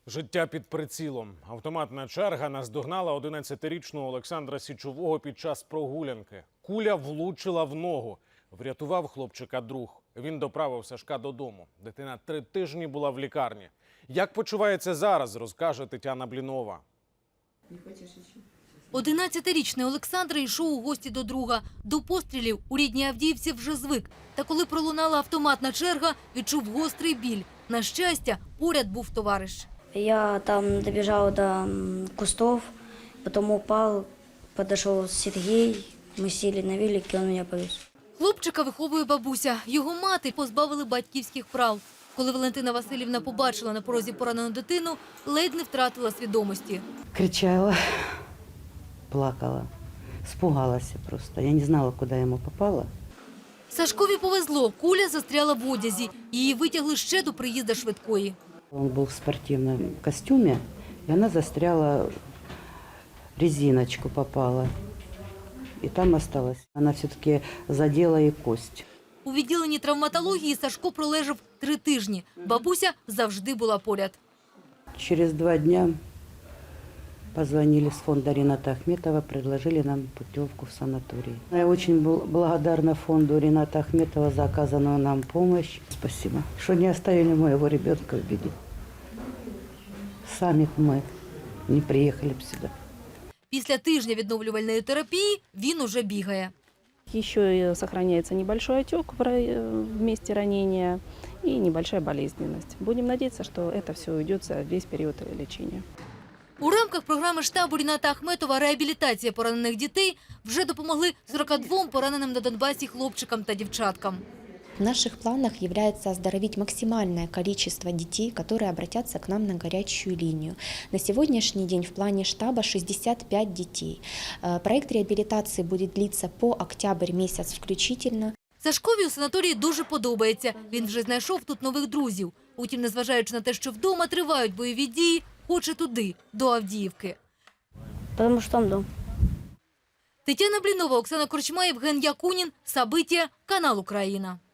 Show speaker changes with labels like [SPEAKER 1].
[SPEAKER 1] Життя під прицілом. Автоматна черга наздогнала 11-річного Олександра Січового під час прогулянки. Куля влучила в ногу. Врятував хлопчика друг. Він доправив Сашка додому. Дитина 3 тижні була в лікарні. Як почувається зараз, розкаже Тетяна Блінова.
[SPEAKER 2] 11-річний Олександр йшов у гості до друга. До пострілів у рідній Авдіївці вже звик. Та коли пролунала автоматна черга, відчув гострий біль. На щастя, поряд був товариш.
[SPEAKER 3] Я там добежал до кустов, потом упал, подошел Сергей, мы сели на велике, он меня повез.
[SPEAKER 2] Хлопчика виховує бабуся. Його мати позбавили батьківських прав. Коли Валентина Васильівна побачила на порозі поранену дитину, ледь не втратила свідомості.
[SPEAKER 4] Кричала, плакала, испугалась просто. Я не знала, куда ему попало.
[SPEAKER 2] Сашкові повезло. Куля застряла в одязі. Її витягли ще до приїзду швидкої.
[SPEAKER 4] Он был в спортивном костюме, и она застряла, резиночку попала. И там осталась. Она все-таки задела и кость.
[SPEAKER 2] У відділенні травматології Сашко пролежав 3 тижні. Бабуся завжди була поряд.
[SPEAKER 4] Через 2 дня позвонили с фонда Рената Ахметова, предложили нам путевку в санаторий. Я очень благодарна фонду Рената Ахметова за оказанную нам помощь. Спасибо, что не оставили моего ребенка в беде. Сами мы не приехали бы сюда.
[SPEAKER 2] Після тижня відновлювальної терапії він уже бігає.
[SPEAKER 5] Еще и сохраняется небольшой отек в месте ранения и небольшая болезненность. Будем надеяться, что это все уйдет за весь период лечения.
[SPEAKER 2] У рамках програми штабу Рената Ахметова «Реабілітація поранених дітей» вже допомогли 42 пораненим на Донбасі хлопчикам та дівчаткам.
[SPEAKER 6] В наших планах является оздоровить максимальное количество детей, которые обратятся к нам на горячую линию. На сегодняшний день в плане штаба 65 детей. Проект реабилитации будет длиться по октябрь месяц включительно.
[SPEAKER 2] Сашкові у санаторії дуже подобається. Він вже знайшов тут нових друзів. Утім, незважаючи на те, що вдома тривають бойові дії, хоче туди, до Авдіївки.
[SPEAKER 3] Потому что там дом.
[SPEAKER 2] Тетяна Блінова, Оксана Корчма, Євген Якунін, Сабиття, канал «Україна».